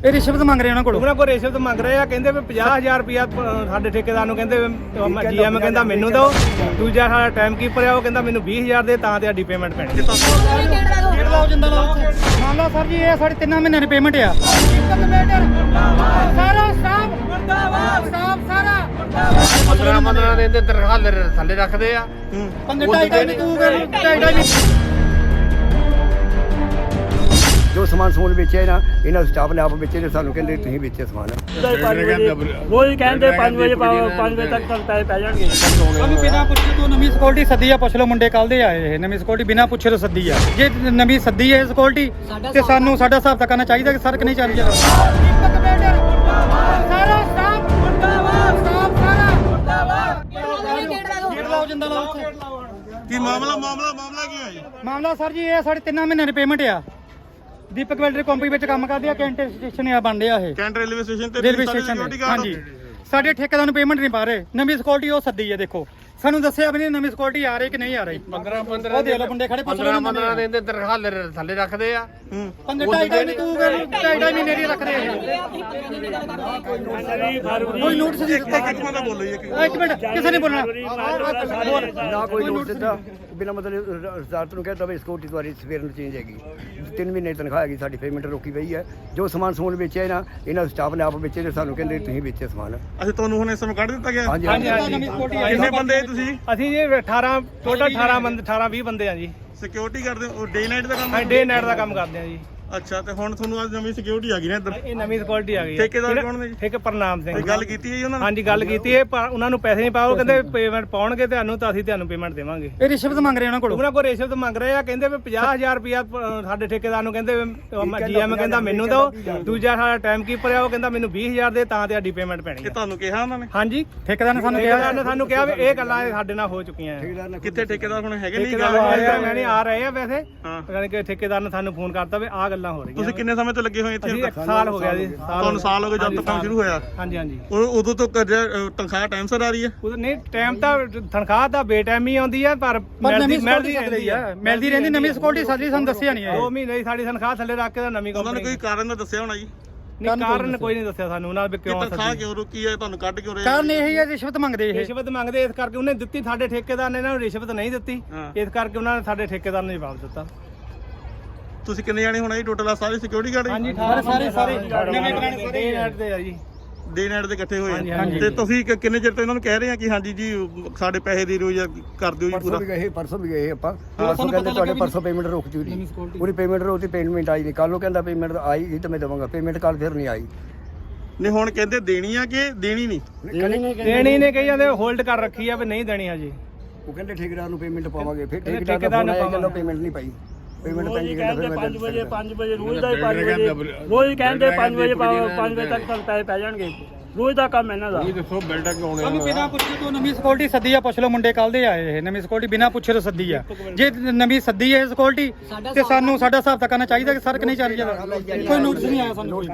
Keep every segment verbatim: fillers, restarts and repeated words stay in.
ਇਹ ਰਿਸ਼ਵਤ ਮੰਗ ਰਹੇ ਉਹਨਾਂ ਕੋਲ ਉਹਨਾਂ ਕੋਲ ਰਿਸ਼ਵਤ ਮੰਗ ਰਹੇ ਆ। ਕਹਿੰਦੇ ਵੀ ਪੰਜਾਹ ਹਜ਼ਾਰ ਰੁਪਇਆ ਸਾਡੇ ਠੇਕੇਦਾਰ ਨੂੰ ਕਹਿੰਦੇ ਜੀਐਮ ਕਹਿੰਦਾ ਮੈਨੂੰ ਦਿਓ। ਦੂਜਾ ਸਾਡਾ ਟਾਈਮ ਕੀਪਰ ਆ ਉਹ ਕਹਿੰਦਾ ਮੈਨੂੰ ਵੀਹ ਹਜ਼ਾਰ ਦੇ ਤਾਂ ਤੁਹਾਡੀ ਪੇਮੈਂਟ ਪੈਣੀ। ਗੇਟ ਲਾਓ ਜਿੰਦਾ ਲਾਓ। ਮੰਨ ਲਓ ਸਰ ਜੀ ਇਹ ਸਾਡੇ ਤਿੰਨਾਂ ਮਹੀਨਿਆਂ ਦੀ ਪੇਮੈਂਟ ਆ। ਸਾਰਾ ਸਟਾਫ ਮੁਰਦਾਬਾਦ ਸਟਾਫ ਸਾਰਾ ਪੰਦਰਾਂ ਪੰਦਰਾਂ ਦਿਨ ਦੇ ਤਨਖਾਹ ਥੱਲੇ ਰੱਖਦੇ ਆ। ਪੰਜ ਢਾਈ ਢਾਈ ਤੂੰ ਕਰ ਢਾਈ ਢਾਈ ਜੋ ਸਮਾਨ ਸਮੂਨ ਵੇਚਿਆ ਨਾ ਇਹਨਾਂ ਸਟਾਫ ਨੇ ਆਪ ਵੇਚੇ ਨੇ। ਸਾਨੂੰ ਕਹਿੰਦੇ ਤੁਸੀਂ ਵੇਚਿਆ ਸਮਾਨ। ਰੋਜ਼ ਕਹਿੰਦੇ ਪੰਜ ਵਜੇ ਪੰਜ ਵਜੇ ਤੱਕ ਪੈਸੇ ਪੈ ਜਾਣਗੇ। ਸਾਨੂੰ ਬਿਨਾਂ ਪੁੱਛੇ ਤੋਂ ਨਵੀਂ ਸਿਕਿਉਰਿਟੀ ਸੱਦੀ ਆ। ਪੁੱਛ ਲਓ ਮੁੰਡੇ ਕੱਲ ਦੇ ਆਏ ਇਹ ਨਵੀਂ ਸਿਕਿਉਰਿਟੀ ਬਿਨਾਂ ਪੁੱਛੇ ਤੋਂ ਸੱਦੀ ਆ। ਜੇ ਨਵੀਂ ਸੱਦੀ ਹੈ ਸਿਕਿਉਰਿਟੀ ਤੇ ਸਾਨੂੰ ਸਾਡਾ ਹਿਸਾਬ ਤਾਂ ਕਰਨਾ ਚਾਹੀਦਾ ਕਿ ਸਰ ਕਿ ਨਹੀਂ ਚੱਲ ਰਿਹਾ। ਦੀਪਕ ਬਿਲਡਰ ਸਾਰਾ ਸਟਾਫ ਮੁਰਦਾਬਾਦ ਸਟਾਫ ਸਾਰਾ ਮੁਰਦਾਬਾਦ। ਗੇਟ ਲਾਓ ਜਿੰਦਾ ਲਾਓ। ਕੀ ਮਾਮਲਾ ਮਾਮਲਾ ਮਾਮਲਾ ਕੀ ਹੋਇਆ? ਮਾਮਲਾ ਸਰ ਜੀ ਇਹ ਸਾਡੇ ਤਿੰਨਾਂ ਮਹੀਨਿਆਂ ਦੀ ਪੇਮੈਂਟ ਆ। ਦੀਪਕ ਬਿਲਡਰ ਕੰਪਨੀ ਵਿੱਚ ਕੰਮ ਕਰਦੇ ਆ। ਕੈਂਟ ਸਟੇਸ਼ਨ ਆ ਬਣ ਰਿਹਾ ਇਹ ਕੈਂਟ ਰੇਲਵੇ ਸਟੇਸ਼ਨ ਤੇ ਰੇਲਵੇ ਸਟੇਸ਼ਨ। ਹਾਂਜੀ ਸਾਡੇ ਠੇਕੇਦਾਰ ਨੂੰ ਪੇਮੈਂਟ ਨਹੀਂ ਪਾ ਰਹੇ। ਨਵੀਂ ਸਿਕਿਉਰਿਟੀ ਉਹ ਸੱਦੀ ਹੈ। ਦੇਖੋ ਸਾਨੂੰ ਦੱਸਿਆ ਵੀ ਨਹੀਂ ਨਵੀਂ ਸਿਕਿਉਰਿਟੀ ਆ ਰਹੀ ਕਿ ਨਹੀਂ ਆ ਰਹੀ। ਪੰਦਰਾਂ ਪੰਦਰਾਂ ਉਹ ਦੇਖ ਲਓ ਮੁੰਡੇ ਖੜੇ ਪੁੱਛ ਲਓ ਪੰਦਰਾਂ ਦਿਨ ਦੇ ਤਨਖਾਹ ਥੱਲੇ ਰੱਖਦੇ ਆ। ਪੰਜ ਢਾਈ ਢਾਈ ਤੂੰ ਕਰ ਢਾਈ ਢਾਈ ਮਹੀਨੇ ਦੀ ਰੱਖਦੇ ਆ। ਕੋਈ ਨੋਟਿਸ ਨਹੀਂ ਦਿੱਤਾ। ਇੱਕ ਮਿੰਟ ਬੋਲੋ ਜੀ। ਇੱਕ ਮਿੰਟ ਕਿਸੇ ਨੇ ਬੋਲਣਾ। ਨਾ ਕੋਈ ਨੋਟ ਦਿੱਤਾ ਬਿਨਾਂ ਮਤਲਬ ਰਜਿਸਟਰ ਨੂੰ ਕਹਿੰਦਾ ਵੀ ਸਿਕਿਉਰਿਟੀ ਤੁਹਾਡੀ ਸਵੇਰ ਨੂੰ ਚੇਂਜ ਹੈਗੀ। ਤਿੰਨ ਮਹੀਨੇ ਦੀ ਤਨਖਾਹ ਹੈਗੀ ਸਾਡੀ ਪੇਮੈਂਟ ਰੋਕੀ ਪਈ ਹੈ। ਜੋ ਸਮਾਨ ਸਮੂਨ ਵੇਚਿਆ ਨਾ ਇਹਨਾਂ ਸਟਾਫ ਨੇ ਆਪ ਵੇਚੇ ਨੇ। ਸਾਨੂੰ ਕਹਿੰਦੇ ਤੁਸੀਂ ਵੇਚਿਆ ਸਮਾਨ। ਅਸੀਂ ਤੁਹਾਨੂੰ ਹੁਣ ਇਸ ਸਮੇਂ ਕੱਢ ਦਿੱਤਾ ਗਿਆ। ਹਾਂਜੀ ਹਾਂਜੀ ਨਵੀਂ ਸਿਕਿਉਰਿਟੀ ਆਈ। ਕਿੰਨੇ ਬੰਦੇ ਤੁਸੀਂ? ਅਸੀਂ ਜੀ ਅਠਾਰਾਂ ਟੋਟਲ ਅਠਾਰਾਂ ਬੰਦੇ ਅਠਾਰਾਂ ਵੀਹ ਬੰਦੇ ਆ ਜੀ। ਸਿਕਿਉਰਿਟੀ ਕਰਦੇ ਹੋ? ਡੇ ਨਾਈਟ ਦਾ ਕੰਮ? ਅਸੀਂ ਡੇ ਨਾਈਟ ਦਾ ਕੰਮ ਕਰਦੇ ਆ ਜੀ। ਅੱਛਾ ਤੇ ਹੁਣ ਤੁਹਾਨੂੰ ਅੱਜ ਨਵੀਂ ਸਿਕਿਉਰਿਟੀ ਆ ਗਈ ਨਾ ਇੱਧਰ। ਇਹ ਨਵੀਂ ਸਿਕਿਉਰਿਟੀ ਆ ਗਈ। ਠੇਕੇਦਾਰ ਕੌਣ ਨੇ ਜੀ? ਠੇਕੇ ਪ੍ਰਨਾਮ ਸਿੰਘ। ਗੱਲ ਕੀਤੀ ਹੈ ਜੀ ਉਹਨਾਂ ਨਾਲ? ਹਾਂਜੀ ਗੱਲ ਕੀਤੀ ਹੈ ਪਰ ਉਹਨਾਂ ਨੂੰ ਪੈਸੇ ਨਹੀਂ ਪਾਓ। ਕਹਿੰਦੇ ਪੇਮੈਂਟ ਪਾਉਣਗੇ ਤੁਹਾਨੂੰ ਤਾਂ ਅਸੀਂ ਤੁਹਾਨੂੰ ਪੇਮੈਂਟ ਦੇਵਾਂਗੇ। ਇਹ ਰਿਸ਼ਵਤ ਮੰਗ ਰਹੇ ਉਹਨਾਂ ਕੋਲ। ਉਹਨਾਂ ਕੋਲ ਰਿਸ਼ਵਤ ਮੰਗ ਰਹੇ ਆ। ਕਹਿੰਦੇ ਵੀ ਪੰਜਾਹ ਹਜ਼ਾਰ ਰੁਪਇਆ ਸਾਡੇ ਠੇਕੇਦਾਰ ਨੂੰ ਕਹਿੰਦੇ ਜੀਐਮ ਕਹਿੰਦਾ ਮੈਨੂੰ ਦਿਓ। ਦੂਜਾ ਸਾਡਾ ਟਾਈਮ ਕੀਪਰ ਆ ਉਹ ਕਹਿੰਦਾ ਮੈਨੂੰ ਵੀਹ ਹਜ਼ਾਰ ਦੇ ਤਾਂ ਤੁਹਾਡੀ ਪੇਮੈਂਟ ਪੈਣੀ। ਇਹ ਤੁਹਾਨੂੰ ਕਿਹਾ ਉਹਨਾਂ ਨੇ? ਹਾਂਜੀ ਠੇਕੇਦਾਰ ਨੇ ਸਾਨੂੰ ਠੇਕੇਦਾਰ ਕਿਹਾ ਨੇ ਸਾਨੂੰ ਕਿਹਾ ਵੀ ਇਹ ਗੱਲਾਂ ਸਾਡੇ ਨਾਲ ਹੋ ਚੁੱਕੀਆਂ ਆ। ਕਿੱਥੇ ਠੇਕੇਦਾਰ ਹੁਣ ਹੈਗੇ ਨਹੀਂ? ਠੇਕੇਦਾਰ ਆ ਰਹੇ ਆ ਰਹੇ ਆ ਵੈਸੇ। ਹਾਂ ਯਾਨੀ ਕਿ ਠੇਕੇਦਾਰ ਨੇ ਸਾਨੂੰ ਫੋਨ ਕਰਤਾ ਵੀ ਆਹ ਗੱਲਾਂ ਹੋ ਰਹੀਆਂ। ਤੁਸੀਂ ਕਿੰਨੇ ਸਮੇਂ ਤੋਂ ਲੱਗੇ ਹੋਏ ਇੱਥੇ? ਅਸੀਂ ਇੱਕ ਸਾਲ ਹੋ ਗਿਆ ਜੀ। ਤੁਹਾਨੂੰ ਸਾਲ ਹੋ ਗਿਆ ਜਦ ਤੋਂ ਕੰਮ ਸ਼ੁਰੂ ਹੋਇਆ? ਹਾਂਜੀ ਹਾਂਜੀ। ਉਹ ਉਦੋਂ ਤੋਂ ਕਰਜ਼ਾ ਤਨਖਾਹ ਟਾਈਮ ਸਿਰ ਆ ਰਹੀ ਹੈ? ਉਹ ਨਹੀਂ ਟਾਈਮ ਤਾਂ ਤਨਖਾਹ ਤਾਂ ਬੇਟਾਈਮ ਹੀ ਆਉਂਦੀ ਹੈ ਪਰ ਮਿਲਦੀ ਮਿਲਦੀ ਰਹਿੰਦੀ ਆ। ਮਿਲਦੀ ਰਹਿੰਦੀ ਨਵੀਂ ਸਿਕਿਉਰਿਟੀ ਸੱਦੀ ਸਾਨੂੰ ਦੱਸਿਆ ਨਹੀਂ ਦੋ ਇਹ। ਮਹੀਨੇ ਦੀ ਸਾਡੀ ਤਨਖਾਹ ਥੱਲੇ ਰੱਖ ਕੇ ਤਾਂ ਨਵੀਂ ਉਹਨਾਂ ਨੇ ਕੰਪਨੀ ਕੋਈ ਕਾਰਨ ਤਾਂ ਦੱਸਿਆ ਹੋਣਾ ਜੀ? ਨਹੀਂ ਕਾਰਨ ਕੋਈ ਨਹੀਂ ਦੱਸਿਆ ਸਾਨੂੰ ਉਹਨਾਂ ਵੀ ਕਿ ਕਿਉਂ ਤਨਖਾਹ ਸੱਦੀ। ਕਿਉਂ ਰੁਕੀ ਹੈ? ਤੁਹਾਨੂੰ ਕੱਢ ਕਿਉਂ ਰਹੇ? ਕਾਰਨ ਇਹ ਹੀ ਹੈ ਰਿਸ਼ਵਤ ਮੰਗਦੇ ਇਹ। ਰਿਸ਼ਵਤ ਮੰਗਦੇ ਇਸ ਕਰਕੇ ਉਹਨੇ ਦਿੱਤੀ। ਸਾਡੇ ਠੇਕੇਦਾਰ ਨੇ ਇਹਨਾਂ ਨੂੰ ਰਿਸ਼ਵਤ ਨਹੀਂ ਦਿੱਤੀ। ਹਾਂ। ਇਸ ਕਰਕੇ ਉਹਨਾਂ ਨੇ ਸਾਡੇ ਠੇਕੇਦਾਰ ਨੂੰ ਜਵਾਬ ਦਿੱਤਾ। ਤੁਸੀਂ ਕਿੰਨੇ ਜਾਣੇ ਹੋਣਾ ਜੀ ਟੋਟਲ ਆ ਸਾਰੇ ਸਿਕਿਉਰਿਟੀ ਗਾਰਡ? ਹਾਂਜੀ ਸਾਰੇ ਸਾਰੇ ਸਾਰੇ ਨਵੇਂ ਪੁਰਾਣੇ ਸਾਰੇ ਨੈਟ ਤੇ ਆ ਜੀ। ਡੇ ਨਾਈਟ ਦੇ ਇਕੱਠੇ ਹੋਏ ਹਾਂਜੀ, ਆ। ਹਾਂਜੀ। ਤੇ ਤੁਸੀਂ ਕਿ- ਕਿੰਨੇ ਚਿਰ ਤੋਂ ਇਹਨਾਂ ਨੂੰ ਕਹਿ ਰਹੇ ਆ ਕਿ ਹਾਂਜੀ ਜੀ ਸਾਡੇ ਪੈਸੇ ਦੇ ਦਿਓ ਜਾਂ ਕਰ ਦਿਓ ਜੀ ਪਰਸੋਂ ਪੂਰਾ? ਵੀ ਗਏ ਪਰਸੋਂ ਵੀ ਗਏ ਆਪਾਂ। ਪਰਸੋਂ ਕਹਿੰਦੇ ਤੁਹਾਡੇ ਪਰਸੋਂ ਪੇਮੈਂਟ ਰੁਕ ਜੂਗੀ। ਪੂਰੀ ਪੇਮੈਂਟ ਰੋਤੀ ਪੇਮੈਂਟ ਆਈ ਨਹੀਂ। ਕੱਲ ਨੂੰ ਕਹਿੰਦਾ ਪੇਮੈਂਟ ਆਈ ਗਈ ਤਾਂ ਮੈਂ ਦੇਵਾਂਗਾ ਪੇਮੈਂਟ। ਕੱਲ ਫਿਰ ਨਹੀਂ ਆਈ। ਨਹੀਂ ਹੁਣ ਕਹਿੰਦੇ ਦੇਣੀ ਆ ਕਿ ਦੇਣੀ ਨਹੀਂ? ਦੇਣੀ ਨੇ ਕਹੀ ਜਾਂਦੇ ਹੋਲਡ ਕਰ ਰੱਖੀ ਆ ਵੀ ਨਹੀਂ ਦੇਣੀ ਹਜੇ। ਉਹ ਕਹਿੰਦੇ ਠੇਕੇਦਾਰ ਨੂੰ ਪੇਮੈਂਟ ਪਾਵਾਂਗੇ। ਫਿਰ ਕਹਿੰਦੇ ਠੇਕੇਦਾਰ ਠੇਕੇਦਾਰ ਨੂੰ ਕਹਿੰਦਾ ਪੇਮੈਂਟ ਨਹੀਂ ਪਾਈ। ਪੇਮੈਂਟ ਪੈਂਦੀ ਕਹਿੰਦਾ ਫਿਰ ਪੰਜ ਵਜੇ ਪੰਜ ਵਜੇ ਰੋਜ਼ ਦਾ ਪੰਜ ਵਜੇ ਰੋਜ਼ ਕਹਿੰਦੇ ਪੰਜ ਵਜੇ ਪੰਜ ਵਜੇ ਤੱਕ ਪੈਸੇ ਪੈ ਜਾਣਗੇ। ਰੋਜ਼ ਦਾ ਕੰਮ ਇਹਨਾਂ ਦਾ। ਸਾਨੂੰ ਬਿਨਾਂ ਪੁੱਛੇ ਤੋਂ ਨਵੀਂ ਸਿਕਿਉਰਿਟੀ ਸੱਦੀ ਆ। ਪੁੱਛ ਲਓ ਮੁੰਡੇ ਕੱਲ ਦੇ ਆਏ ਇਹ ਨਵੀਂ ਸਿਕਿਉਰਿਟੀ ਬਿਨਾਂ ਪੁੱਛੇ ਤੋਂ ਸੱਦੀ ਆ। ਜੇ ਨਵੀਂ ਸੱਦੀ ਹੈ ਸਿਕਿਉਰਿਟੀ ਤੇ ਸਾਨੂੰ ਸਾਡਾ ਹਿਸਾਬ ਤਾਂ ਕਰਨਾ ਚਾਹੀਦਾ ਕਿ ਸਰ ਕਿ ਨਹੀਂ ਚੱਲ ਰਿਹਾ। ਕੋਈ ਨੋਟਿਸ ਨਹੀਂ ਆਇਆ ਸਾਨੂੰ।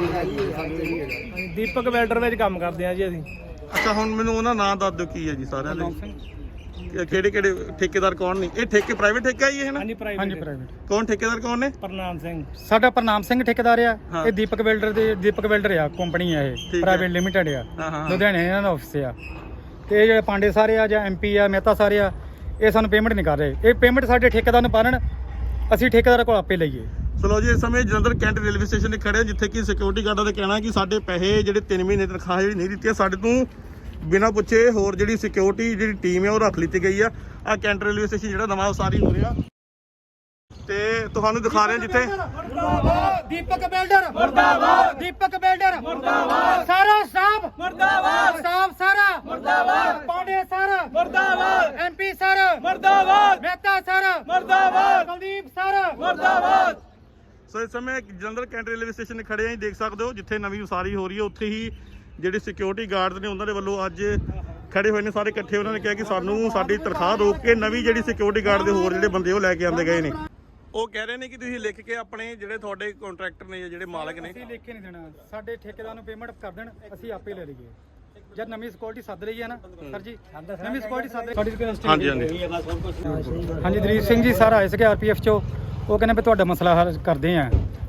ਦੀਪਕ ਬਿਲਡਰ ਵਿੱਚ ਕੰਮ ਕਰਦੇ ਆ ਜੀ ਅਸੀਂ। ਅੱਛਾ ਹੁਣ ਮੈਨੂੰ ਉਹਨਾਂ ਨਾਂ ਦੱਸ ਦਿਓ ਕੀ ਹੈ ਜੀ ਸਾਰਿਆਂ ਦੇ? ਕਿਹੜੇ ਕਿਹੜੇ ਠੇਕੇਦਾਰ ਕੌਣ ਨੇ? ਇਹ ਠੇਕੇ ਪ੍ਰਾਈਵੇਟ ਠੇਕਾ ਹੀ ਹੈ ਨਾ? ਹਾਂਜੀ ਹਾਂਜੀ ਪ੍ਰਾਈਵੇਟ ਪ੍ਰਾਈਵੇਟ। ਕੌਣ ਠੇਕੇਦਾਰ ਕੌਣ ਨੇ? ਪ੍ਰਨਾਮ ਸਿੰਘ। ਸਾਡਾ ਪ੍ਰਨਾਮ ਸਿੰਘ ਠੇਕੇਦਾਰ ਆ। ਹਾਂ। ਇਹ ਦੀਪਕ ਬਿਲਡਰ ਦੇ ਦੀਪਕ ਬਿਲਡਰ ਆ ਕੰਪਨੀ ਆ ਇਹ ਹੈ। ਪ੍ਰਾਈਵੇਟ ਲਿਮਿਟਡ ਆ। ਹਾਂ ਹਾਂ ਲੁਧਿਆਣੇ ਇਹਨਾਂ ਦਾ ਆਫਿਸ ਆ। ਤੇ ਇਹ ਜਿਹੜੇ ਪਾਂਡੇ ਸਾਰੇ ਆ ਜਾਂ ਐਮਪੀ ਆ ਮਹਿਤਾ ਸਾਰੇ ਆ ਇਹ ਸਾਨੂੰ ਪੇਮੈਂਟ ਨਹੀਂ ਕਰ ਰਹੇ। ਇਹ ਪੇਮੈਂਟ ਸਾਡੇ ਠੇਕੇਦਾਰ ਨੂੰ ਪਾਣ ਅਸੀਂ ਠੇਕੇਦਾਰ ਕੋਲ ਆਪੇ ਲਈਏ। ਚਲੋ ਜੀ ਇਸ ਸਮੇਂ ਜਲੰਧਰ ਕੈਂਟ ਰੇਲਵੇ ਸਟੇਸ਼ਨ ਤੇ ਖੜੇ ਜਿੱਥੇ ਕਿ ਸਿਕਿਉਰਿਟੀ ਗਾਰਡਾਂ ਦਾ ਕਹਿਣਾ ਕਿ ਸਾਡੇ ਪੈਸੇ ਜਿਹੜੇ ਤਿੰਨ ਮਹੀਨੇ ਤਨਖਾਹ ਜਿਹੜੀ ਨਹੀਂ ਦਿੱਤੀ ਸਾਡੇ ਤੋਂ ਬਿਨਾਂ ਪੁੱਛੇ ਹੋਰ ਜਿਹੜੀ ਸਿਕਿਉਰਿਟੀ ਜਿਹੜੀ ਟੀਮ ਹੈ ਉਹ ਰੱਖ ਲਿੱਤੀ ਗਈ ਆ। ਆ ਕੈਂਟ ਰੇਲਵੇ ਸਟੇਸ਼ਨ ਜਿਹੜਾ ਨਵਾਂ ਉਸਾਰੀ ਹੋ ਰਿਹਾ ਤੇ ਤੁਹਾਨੂੰ ਦਿਖਾ ਰਹੇ ਜਿੱਥੇ ਮੁਰਦਾਬਾਦ ਦੀਪਕ ਬਿਲਡਰ ਮੁਰਦਾਬਾਦ ਦੀਪਕ ਬਿਲਡਰ ਮੁਰਦਾਬਾਦ ਸਾਰਾ ਸਟਾਫ ਮੁਰਦਾਬਾਦ ਸਟਾਫ ਸਾਰਾ ਮੁਰਦਾਬਾਦ ਪਾਂਡੇ ਸਾਰਾ ਮੁਰਦਾਬਾਦ ਐਮਪੀ ਸਾਰਾ ਮੁਰਦਾਬਾਦ ਮਹਿਤਾ ਸਾਰਾ ਮੁਰਦਾਬਾਦ ਕੁਲਦੀਪ ਸਾਰਾ ਮੁਰਦਾਬਾਦ। ਸੋ ਇਸ ਸਮੇਂ ਜਲੰਧਰ ਕੈਂਟ ਰੇਲਵੇ ਸਟੇਸ਼ਨ ਤੇ ਖੜੇ ਆਂ ਦੇਖ ਸਕਦੇ ਹੋ ਜਿੱਥੇ ਨਵੀਂ ਉਸਾਰੀ ਹੋ ਰਹੀ ਹੈ ਉੱਥੇ ਹੀ ਜਿਹੜੇ ਸਿਕਿਉਰਿਟੀ ਗਾਰਡਸ ਨੇ ਉਹਨਾਂ ਦੇ ਵੱਲੋਂ ਅੱਜ ਖੜੇ ਹੋਏ ਨੇ ਸਾਰੇ ਇਕੱਠੇ। ਉਹਨਾਂ ਨੇ ਕਿਹਾ ਕਿ ਸਾਨੂੰ ਸਾਡੀ ਤਨਖਾਹ ਰੋਕ ਕੇ ਨਵੀਂ ਜਿਹੜੀ ਸਿਕਿਉਰਿਟੀ ਗਾਰਡ ਦੇ ਹੋਰ ਜਿਹੜੇ ਬੰਦੇ ਉਹ ਲੈ ਕੇ ਆਂਦੇ ਗਏ ਨੇ। ਉਹ ਕਹਿ ਰਹੇ ਨੇ ਕਿ ਤੁਸੀਂ ਲਿਖ ਕੇ ਆਪਣੇ ਜਿਹੜੇ ਤੁਹਾਡੇ ਕੰਟਰੈਕਟਰ ਨੇ ਜਾਂ ਜਿਹੜੇ ਮਾਲਕ ਨੇ ਅਸੀਂ ਲਿਖ ਕੇ ਨਹੀਂ ਦੇਣਾ। ਸਾਡੇ ਠੇਕੇਦਾਰ ਨੂੰ ਪੇਮੈਂਟ ਕਰ ਦੇਣ ਅਸੀਂ ਆਪੇ ਲੈ ਲਈਏ। ਜਦ ਨਵੀਂ ਸਿਕਿਉਰਿਟੀ ਸੱਦ ਰਹੀ ਹੈ ਨਾ ਸਰ ਜੀ ਨਵੀਂ ਸਿਕਿਉਰਿਟੀ ਸੱਦ ਰਹੀ। ਹਾਂਜੀ ਹਾਂਜੀ ਹਾਂਜੀ ਦਰੀਪ ਸਿੰਘ ਜੀ ਸਰ ਆਏ ਸੀਗੇ ਆਰਪੀਐਫ ਚੋਂ। ਉਹ ਕਹਿੰਦੇ ਵੀ ਤੁਹਾਡਾ ਮਸਲਾ ਹੱਲ ਕਰਦੇ ਆ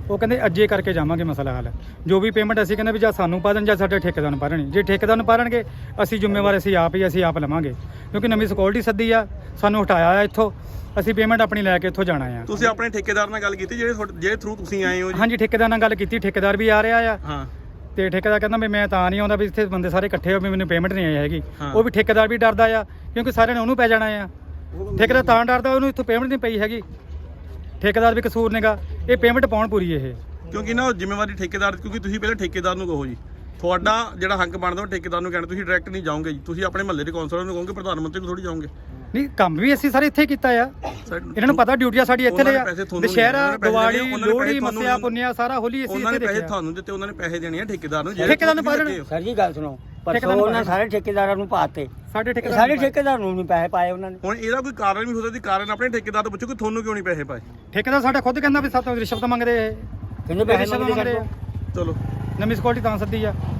ਉਹ ਕਹਿੰਦੇ ਅੱਜੇ ਕਰਕੇ ਜਾਵਾਂਗੇ ਮਸਲਾ ਹੱਲ। ਜੋ ਵੀ ਪੇਮੈਂਟ ਅਸੀਂ ਕਹਿੰਦੇ ਵੀ ਜਾਂ ਸਾਨੂੰ ਪਾ ਦੇਣ ਜਾਂ ਸਾਡੇ ਠੇਕੇਦਾਰ ਨੂੰ ਪਾ ਦੇਣ। ਜੇ ਠੇਕੇਦਾਰ ਨੂੰ ਪਾ ਦੇਣਗੇ ਅਸੀਂ ਜ਼ਿੰਮੇਵਾਰ ਅਸੀਂ ਆਪ ਹੀ ਅਸੀਂ ਆਪ ਲਵਾਂਗੇ, ਕਿਉਂਕਿ ਨਵੀਂ ਸਿਕਿਉਰਿਟੀ ਸੱਦੀ ਆ, ਸਾਨੂੰ ਹਟਾਇਆ ਆ ਇੱਥੋਂ, ਅਸੀਂ ਪੇਮੈਂਟ ਆਪਣੀ ਲੈ ਕੇ ਇੱਥੋਂ ਜਾਣਾ ਆ। ਤੁਸੀਂ ਆਪਣੇ ਠੇਕੇਦਾਰ ਨਾਲ ਗੱਲ ਕੀਤੀ ਜਿਹੜੇ ਤੁਹਾਡੇ- ਜਿਹੜੇ ਥਰੂ ਤੁਸੀਂ ਆਏ ਹੋ ਜੀ? ਹਾਂਜੀ ਠੇਕੇਦਾਰ ਨਾਲ ਗੱਲ ਕੀਤੀ, ਠੇਕੇਦਾਰ ਵੀ ਆ ਰਿਹਾ ਆ ਹਾਂ ਤੇ ਠੇਕੇਦਾਰ ਕਹਿੰਦਾ ਵੀ ਮੈਂ ਤਾਂ ਨਹੀਂ ਆਉਂਦਾ ਵੀ ਇੱਥੇ ਬੰਦੇ ਸਾਰੇ ਇਕੱਠੇ ਹੋ ਵੀ ਮੈਨੂੰ ਪੇਮੈਂਟ ਨਹੀਂ ਆਈ ਹੈਗੀ। ਹਾਂ। ਉਹ ਵੀ ਠੇਕੇਦਾਰ ਵੀ ਡਰਦਾ ਆ ਕਿਉਂਕਿ ਸਾਰਿਆਂ ਨੇ ਉਹਨੂੰ ਪੈ ਜਾਣਾ ਆ। ਠੇਕੇਦਾਰ ਤਾਂ ਡਰਦਾ ਉਹਨੂੰ ਇੱਥੋਂ ਪੇਮੈਂਟ ਨਹੀਂ ਪਈ ਹੈਗੀ, ਠੇਕੇਦਾਰ ਵੀ ਕਸੂਰ ਨੇਗਾ, ਇਹ ਪੇਮੈਂਟ ਪਾਉਣ ਪੂਰੀ ਇਹ। ਕਿਉਂਕਿ ਨਾ ਉਹ ਜ਼ਿੰਮੇਵਾਰੀ ਠੇਕੇਦਾਰ, ਕਿਉਂਕਿ ਤੁਸੀਂ ਪਹਿਲਾਂ ਠੇਕੇਦਾਰ ਨੂੰ ਕਹੋ ਜੀ, ਤੁਹਾਡਾ ਜਿਹੜਾ ਹੱਕ ਬਣਦਾ ਉਹ ਠੇਕੇਦਾਰ ਨੂੰ ਕਹਿਣਾ, ਤੁਸੀਂ ਡਾਇਰੈਕਟ ਨਹੀਂ ਜਾਓਗੇ ਜੀ, ਤੁਸੀਂ ਆਪਣੇ ਮਹੱਲੇ ਦੇ ਕੌਂਸਲਰ ਨੂੰ ਕਹੋਗੇ, ਪ੍ਰਧਾਨ ਮੰਤਰੀ ਨੂੰ ਥੋੜੀ ਜਾਓਗੇ। ਨਹੀਂ ਕੰਮ ਵੀ ਅਸੀਂ ਸਾਰੇ ਇੱਥੇ ਹੀ ਕੀਤਾ ਆ, ਇਹਨਾਂ ਨੂੰ ਪਤਾ ਡਿਊਟੀਆਂ ਸਾਡੀ ਇੱਥੇ ਲਈ ਆ। ਦੁਸ਼ਹਿਰਾ, ਦੀਵਾਲੀ, ਲੋਹੜੀ, ਮੱਸਿਆ, ਪੁੰਨਿਆ ਸਾਰਾ ਹੋਲੀ ਅਸੀਂ ਉਹਨਾਂ ਇੱਥੇ ਨੇ ਪੈਸੇ ਦੇਖਿਆ। ਤੁਹਾਨੂੰ ਦਿੱਤੇ, ਉਹਨਾਂ ਨੇ ਪੈਸੇ ਦੇਣੇ ਆ ਠੇਕੇਦਾਰ ਨੂੰ। ਠੇਕੇਦਾਰ ਨੂੰ ਪਾ ਦੇਣੇ। ਸਰ ਜੀ ਗੱਲ ਸੁਣੋ, ਠੇਕੇਦਾਰ ਪਰਸੋਂ ਨੂੰ ਉਹਨਾਂ ਸਾਰੇ ਠੇਕੇਦਾਰਾਂ ਨੂੰ ਪਾਤੇ, ਸਾਡੇ ਠੇਕੇਦਾਰ ਸਾਰੇ ਠੇਕੇਦਾਰ ਨੂੰ ਨਹੀਂ ਪੈਸੇ ਪਾਏ ਉਹਨਾਂ ਨੇ। ਹੁਣ ਇਹਦਾ ਕੋਈ ਕਾਰਨ ਵੀ ਹੋ ਸਕਦਾ, ਕਾਰਨ ਆਪਣੇ ਠੇਕੇਦਾਰ ਤੋਂ ਪੁੱਛੋ ਕਿ ਤੁਹਾਨੂੰ ਕਿਉਂ ਨਹੀਂ ਪੈਸੇ ਪਾਏ। ਠੇਕੇਦਾਰ ਸਾਡਾ ਖੁਦ ਕਹਿੰਦਾ ਵੀ ਸਾਤੋਂ ਰਿਸ਼ਵਤ ਮੰਗਦੇ ਇਹ, ਕਿੰਨੇ ਪੈਸੇ ਰਿਸ਼ਵਤ ਮੰਗਦੇ ਮੰਗਦੇ ਸਾਡੇ ਆ। ਚਲੋ ਨਵੀਂ ਸਿਕਿਉਰਿਟੀ ਤਾਂ ਸੱਦੀ ਆ।